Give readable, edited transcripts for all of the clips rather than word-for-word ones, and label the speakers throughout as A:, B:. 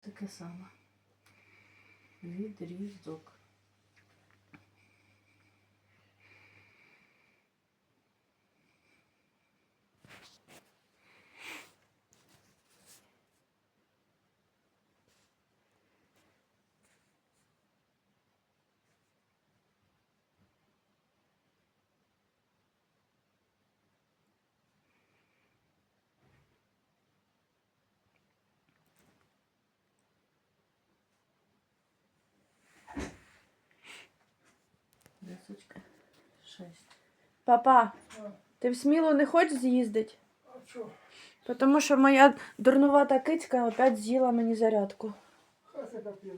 A: таке саме. Відрізок. Десочка. 6.
B: Папа,
C: А,
B: ти в Смілу не хочеш з'їздити?
C: а що?
B: Тому що моя дурнувата кицька опять з'їла мені зарядку.
C: Хай це капець.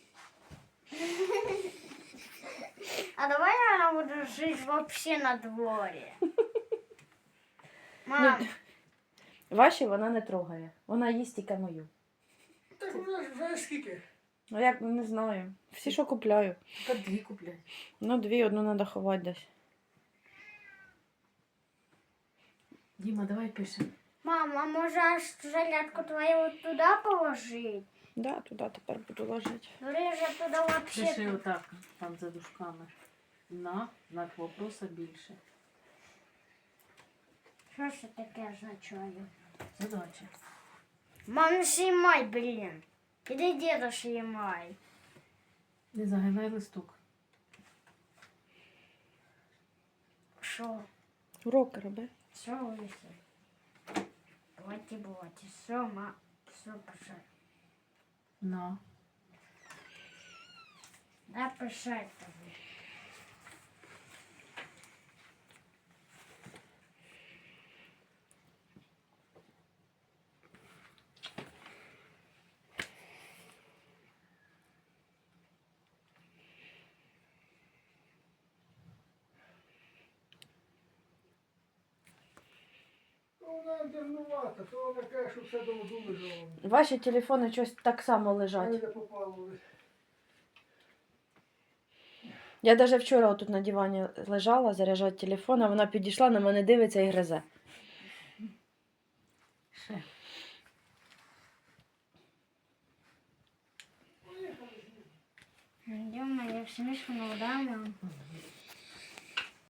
D: А давай она будет жить вообще на дворе. Мам,
B: Ваші вона не трогає. Вона їсть тільки мою.
C: Так вона ж вже скільки?
B: Ну як не знаю. Всі, що купляю.
A: Так 2 купляй.
B: Ну, 2, одну треба ховати десь.
A: Діма, давай пишемо.
D: мам, а может зарядку твою вот туда положить?
B: Да, туди тепер буду ложити.
D: Реже туда
A: Пиши
D: вообще.
A: отак, там за дужками. На знак вопроса більше.
D: Что ж таке означає?
A: Задача.
D: Мам, не снимай, блин. Иди деда снимай.
A: Не загинай листок.
D: Шо?
B: Уроки роби.
D: Все вышли. Бывайте. Все, ма. Все, пошел.
A: На.
D: Да, пошел тобі.
C: Вона дурнувата, то вона каже, що все дома лежало.
B: Ваші телефони щось так само
C: Мене
B: лежать.
C: не попало.
B: Я навіть вчора тут на дивані лежала, заряджати телефон, а вона підійшла, на мене дивиться і гризе.
A: Ще.
D: Идем, я все мишку на удар, мам.